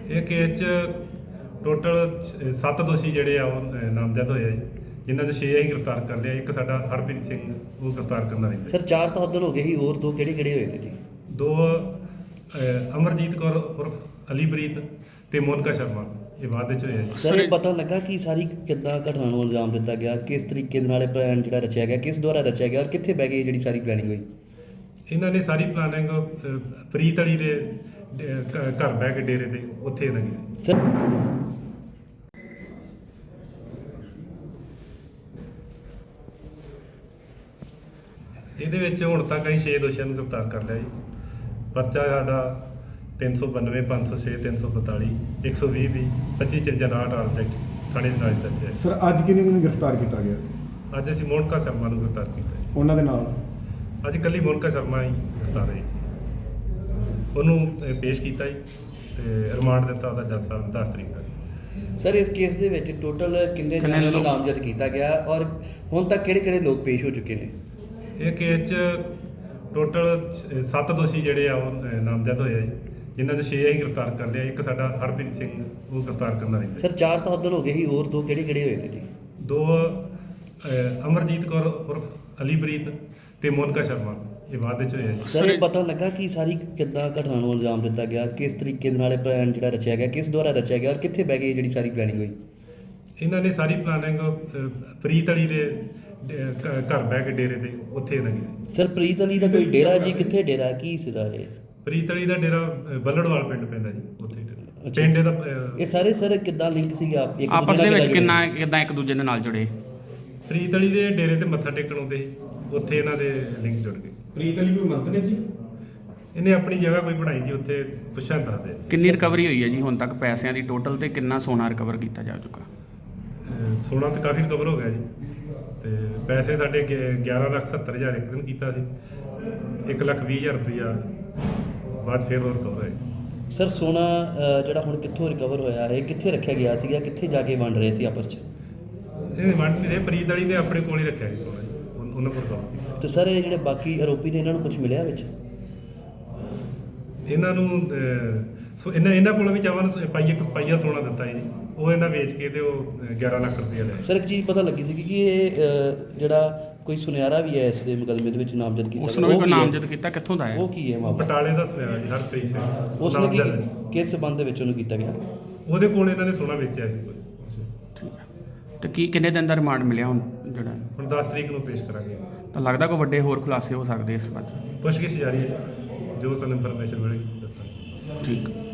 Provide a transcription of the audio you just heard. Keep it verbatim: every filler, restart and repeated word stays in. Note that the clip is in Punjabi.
ਇਹ ਕੇਸ 'ਚ ਟੋਟਲ ਸੱਤ ਦੋਸ਼ੀ ਜਿਹੜੇ ਆ ਉਹ ਅ, ਨਾਮਜ਼ਦ ਹੋਏ ਆ ਜੀ, ਜਿਨ੍ਹਾਂ 'ਚ ਛੇ ਅਸੀਂ ਗ੍ਰਿਫਤਾਰ ਕਰ ਲਿਆ। ਇੱਕ ਸਾਡਾ ਹਰਪ੍ਰੀਤ ਸਿੰਘ ਉਹ ਗ੍ਰਿਫਤਾਰ ਕਰਨਾ ਰਹਿੰਦਾ। ਸਰ ਚਾਰ ਤਾਂ ਉਦੋਂ ਹੋ ਗਏ ਸੀ, ਹੋਰ ਦੋ ਕਿਹੜੇ ਕਿਹੜੇ ਹੋਏ ਨੇ ਜੀ? ਦੋ ਅ, ਅਮਰਜੀਤ ਕੌਰ ਉਰਫ ਅਲੀਪ੍ਰੀਤ ਤੇ ਮੋਨਕਾ ਸ਼ਰਮਾ, ਇਹ ਬਾਅਦ ਵਿੱਚ ਹੋਇਆ ਜੀ। ਸਰ ਇਹ ਪਤਾ ਲੱਗਾ ਕਿ ਸਾਰੀ ਕਿੱਦਾਂ ਘਟਨਾ ਨੂੰ ਅੰਜਾਮ ਦਿੱਤਾ ਗਿਆ, ਕਿਸ ਤਰੀਕੇ ਦੇ ਨਾਲ ਇਹ ਪਲਾਨ ਜਿਹੜਾ ਰਚਿਆ ਗਿਆ, ਕਿਸ ਦੁਆਰਾ ਰਚਿਆ ਗਿਆ ਔਰ ਕਿੱਥੇ ਬਹਿ ਗਈ ਜਿਹੜੀ ਸਾਰੀ ਪਲੈਨਿੰਗ ਹੋਈ? ਇਹਨਾਂ ਨੇ ਸਾਰੀ ਪਲਾਨਿੰਗ ਪ੍ਰੀਤ ਅਲੀ ਦੇ ਡੇ- ਘ- ਘਰ ਬਹਿ ਕੇ ਡੇਰੇ ਤੇ ਉੱਥੇ ਇਹਨਾਂ ਕੀਤੀ। ਸਰ ਇਹਦੇ ਵਿੱਚ ਹੁਣ ਤੱਕ ਅਸੀਂ ਛੇ ਦੋਸ਼ੀਆਂ ਨੂੰ ਗ੍ਰਿਫਤਾਰ ਕਰ ਲਿਆ ਜੀ। ਪਰਚਾ ਸਾਡਾ ਤਿੰਨ ਸੌ ਬਾਨਵੇਂ ਪੰਜ ਸੌ ਛੇ ਤਿੰਨ ਸੌ ਬਤਾਲੀ ਇੱਕ ਸੌ ਵੀਹ ਵੀ ਪੱਚੀ ਚੰਜਾ ਨਾਟ ਆਬਜੈਕਟ ਥਾਣੇ ਦੇ ਨਾਲ ਦਰਜ ਹੈ। ਸਰ ਅੱਜ ਕਿਹਨੇ ਨੂੰ ਗ੍ਰਿਫਤਾਰ ਕੀਤਾ ਗਿਆ? ਅੱਜ ਅਸੀਂ ਮੋਨਕਾ ਸ਼ਰਮਾ ਨੂੰ ਗ੍ਰਿਫਤਾਰ ਕੀਤਾ ਜੀ। ਉਹਨਾਂ ਦੇ ਨਾਲ ਅੱਜ ਕੱਲੀ ਮੋਨਕਾ ਸ਼ਰਮਾ ਹੀ ਗ੍ਰਿਫਤਾਰ ਹੈ ਜੀ। ਉਹਨੂੰ ਅ, ਪੇਸ਼ ਕੀਤਾ ਜੀ ਤੇ ਰਿਮਾਂਡ ਦਿੱਤਾ ਉਹਦਾ ਜੱਜ ਸਾਹਿਬ ਨੇ ਦਸ ਤਰੀਕ ਦਾ। ਸਰ ਇਸ ਕੇਸ ਦੇ ਵਿੱਚ ਟੋਟਲ ਕਿੰਨੇ ਕਿੰਨੇ ਜਣਿਆਂ ਨੂੰ ਲੋਕ? ਨਾਮਜ਼ਦ ਕੀਤਾ ਗਿਆ ਔਰ ਹੁਣ ਤੱਕ ਕਿਹੜੇ ਕਿਹੜੇ ਲੋਕ ਪੇਸ਼ ਹੋ ਚੁੱਕੇ ਨੇ? ਇਹ ਕੇਸ 'ਚ ਟੋਟਲ ਸੱਤ ਦੋਸ਼ੀ ਜਿਹੜੇ ਆ ਉਹ ਅ, ਨਾਮਜ਼ਦ ਹੋਏ ਆ ਜੀ, ਜਿਨ੍ਹਾਂ 'ਚ ਛੇ ਅਸੀਂ ਗ੍ਰਿਫਤਾਰ ਕਰ ਲਿਆ। ਇੱਕ ਸਾਡਾ ਹਰਪ੍ਰੀਤ ਸਿੰਘ ਉਹ ਗ੍ਰਿਫਤਾਰ ਕਰਨਾ ਰਹਿੰਦਾ। ਸਰ ਚਾਰ ਤਾਂ ਉਦੋਂ ਹੋ ਗਏ ਸੀ, ਹੋਰ ਦੋ ਕਿਹੜੇ ਕਿਹੜੇ ਹੋਏ ਨੇ ਜੀ? ਦੋ ਅ, ਅਮਰਜੀਤ ਕੌਰ ਉਰਫ ਅਲੀਪ੍ਰੀਤ ਤੇ ਮੋਨਕਾ ਸ਼ਰਮਾ, ਇਹ ਬਾਅਦ ਵਿੱਚ ਹੋਇਆ ਜੀ। ਸਰ ਇਹ ਪਤਾ ਲੱਗਾ ਕਿ ਸਾਰੀ ਕਿੱਦਾਂ ਘਟਨਾ ਨੂੰ ਅੰਜਾਮ ਦਿੱਤਾ ਗਿਆ, ਕਿਸ ਤਰੀਕੇ ਦੇ ਨਾਲ ਇਹ ਪਲਾਨ ਜਿਹੜਾ ਰਚਿਆ ਗਿਆ, ਕਿਸ ਦੁਆਰਾ ਰਚਿਆ ਗਿਆ ਔਰ ਕਿੱਥੇ ਬਹਿ ਗਈ ਜਿਹੜੀ ਸਾਰੀ ਪਲੈਨਿੰਗ ਹੋਈ? ਇਹਨਾਂ ਨੇ ਸਾਰੀ ਪਲਾਨਿੰਗ ਪ੍ਰੀਤ ਅਲੀ ਦੇ ਡੇ- ਘ- ਘਰ ਬਹਿ ਕੇ ਡੇਰੇ ਤੇ ਉੱਥੇ ਇਹਨਾਂ ਕੀਤੀ। ਸਰ ਪ੍ਰੀਤ ਅਲੀ ਦਾ ਕੋਈ ਡੇਰਾ ਜੀ, ਕਿੱਥੇ ਡੇਰਾ, ਕੀ ਸੀਗਾ ਇਹ? ਪ੍ਰੀਤ ਅਲੀ ਦਾ ਡੇਰਾ ਅ, ਬੱਲੜਵਾਲ ਪਿੰਡ ਪੈਂਦਾ ਜੀ, ਉੱਥੇ ਡੇਰਾ। ਅੱਛਾ। ਪਿੰਡ ਇਹਦਾ ਅ, ਇਹ ਸਾਰੇ ਸਰ ਕਿੱਦਾਂ ਲਿੰਕ ਸੀਗੇ ਆਪ ਇੱਕ ਆਪਸ ਦੂਜੇ ਦੇ ਨਾਲ ਵਿੱਚ ਕਿੱਦਾਂ ਕਿੰਨਾ ਜੁੜੇ? ਕਿੱਦਾਂ ਇੱਕ ਦੂਜੇ ਦੇ ਨਾਲ ਜੁੜੇ? ਪ੍ਰੀਤ ਅਲੀ ਦੇ ਡੇਰੇ ਤੇ ਮੱਥਾ ਟੇਕਣ ਆਉਂਦੇ ਸੀ, ਉੱਥੇ ਇਹਨਾਂ ਦੇ ਲਿੰਕ ਜੁੜ ਗਏ। ਪ੍ਰੀਤ ਅਲੀ ਕੋਈ ਮੰਤਰੀ ਜੀ? ਇਹਨੇ ਆਪਣੀ ਜਗ੍ਹਾ ਕੋਈ ਬਣਾਈ ਜੀ, ਉੱਥੇ ਪੁੱਛਾਂ ਦੱਸਦੇ। ਕਿੰਨੀ ਰਿਕਵਰੀ ਹੋਈ ਹੈ ਜੀ ਹੁਣ ਤੱਕ ਪੈਸਿਆਂ ਦੀ ਟੋਟਲ ਤੇ ਕਿੰਨਾ ਸੋਨਾ ਰਿਕਵਰ ਕੀਤਾ ਜਾ ਚੁੱਕਾ? ਅ, ਸੋਨਾ ਤਾਂ ਕਾਫੀ ਰਿਕਵਰ ਹੋ ਗਿਆ ਜੀ, ਤੇ ਪੈਸੇ ਸਾਡੇ ਗਿ- ਗਿਆਰਾਂ ਲੱਖ ਸੱਤਰ ਹਜ਼ਾਰ ਇੱਕ ਦਿਨ ਕੀਤਾ ਸੀ, ਇੱਕ ਲੱਖ ਵੀਹ ਹਜ਼ਾਰ ਰੁਪਈਆ ਬਾਅਦ 'ਚ ਫਿਰ ਹੋਰ ਰਿਕਵਰ ਹੋਇਆ। ਸਰ ਸੋਨਾ ਅ, ਜਿਹੜਾ ਹੁਣ ਕਿੱਥੋਂ ਰਿਕਵਰ ਹੋਇਆ ਹੈ, ਕਿੱਥੇ ਰੱਖਿਆ ਗਿਆ ਸੀਗਾ, ਕਿੱਥੇ ਜਾ ਕੇ ਵੰਡ ਰਹੇ ਸੀ ਆਪਸ 'ਚ? ਇਹ ਵੰਡ ਨਹੀਂ ਰਹੇ, ਪ੍ਰੀਤ ਵਾਲੀ ਨੇ ਆਪਣੇ ਕੋਲ ਹੀ ਰੱਖਿਆ ਸੀ ਸੋਨਾ ਜੀ, ਉਨ- ਉਹਨਾਂ ਕੋਲ ਰਿਕਵਰ ਕੀਤਾ। ਤੇ ਸਰ ਇਹ ਜਿਹੜੇ ਬਾਕੀ ਆਰੋਪੀ ਨੇ ਇਹਨਾਂ ਨੂੰ ਕੁਝ ਮਿਲਿਆ ਵਿੱਚ? ਇਹਨਾਂ ਨੂੰ ਅ, ਸੋ ਇਹਨਾਂ ਇਹਨਾਂ ਕੋਲੋਂ ਵੀ ਚਾਵਨ ਪਾਈਆ ਇੱਕ ਪਾਈਆ ਸੋਨਾ ਦਿੱਤਾ ਜੀ, ਉਹ ਇਹਨਾਂ ਵੇਚ ਕੇ ਤੇ ਉਹ ਅ, ਗਿਆਰਾਂ ਲੱਖ ਰੁਪਈਆ ਲਿਆ। ਸਰ ਇੱਕ ਚੀਜ਼ ਪਤਾ ਲੱਗੀ ਸੀ ਕਿ ਇਹ ਅ, ਜਿਹੜਾ ਕੋਈ ਸੁਨਿਆਰਾ ਵੀ ਹੈ ਇਸ ਦੇ ਮੁਕੱਦਮੇ ਦੇ ਵਿੱਚ ਨਾਮਜ਼ਦ ਕੀਤਾ ਉਸ ਨੂੰ ਵੀ ਉਹ ਕੋਈ ਕੀ ਹੈ? ਨਾਮਜ਼ਦ ਕੀਤਾ, ਕਿੱਥੋਂ ਦਾ ਹੈ? ਉਹ ਕੀ ਹੈ ਮਾਮਲਾ? ਬਟਾਲੇ ਦਾ ਸੁਨਿਆਰਾ ਜੀ ਹਰਪ੍ਰੀਤ ਸਿੰਘ, ਉਸ ਨੇ ਨਾਮਜ਼ਦ ਹੈ ਜੀ। ਕੀ ਕਿਸ ਸਬੰਧ ਦੇ ਵਿੱਚ ਉਹਨੂੰ ਕੀਤਾ ਗਿਆ? ਉਹਦੇ ਕੋਲ ਇਹਨਾਂ ਨੇ ਸੋਨਾ ਵੇਚਿਆ ਸੀ ਕੋਈ। ਠੀਕ ਹੈ। ਤੇ ਕੀ ਕਿੰਨੇ ਦਿਨ ਦਾ ਰਿਮਾਂਡ ਮਿਲਿਆ ਹੁਣ ਜਿਹੜਾ? ਹੁਣ ਦਸ ਤਰੀਕ ਨੂੰ ਪੇਸ਼ ਕਰਾਂਗੇ। ਤਾਂ ਲੱਗਦਾ ਕੋਈ ਵੱਡੇ ਹੋਰ ਖੁਲਾਸੇ ਹੋ ਸਕਦੇ ਇਸ ਬਾਰੇ? ਪੁੱਛਗਿੱਛ ਜਾਰੀ ਹੈ, ਜੋ ਸਾਨੂੰ ਇਨਫੋਰਮੇਸ਼ਨ ਮਿਲੇਗੀ ਦੱਸਾਂਗੇ। ਠੀਕ।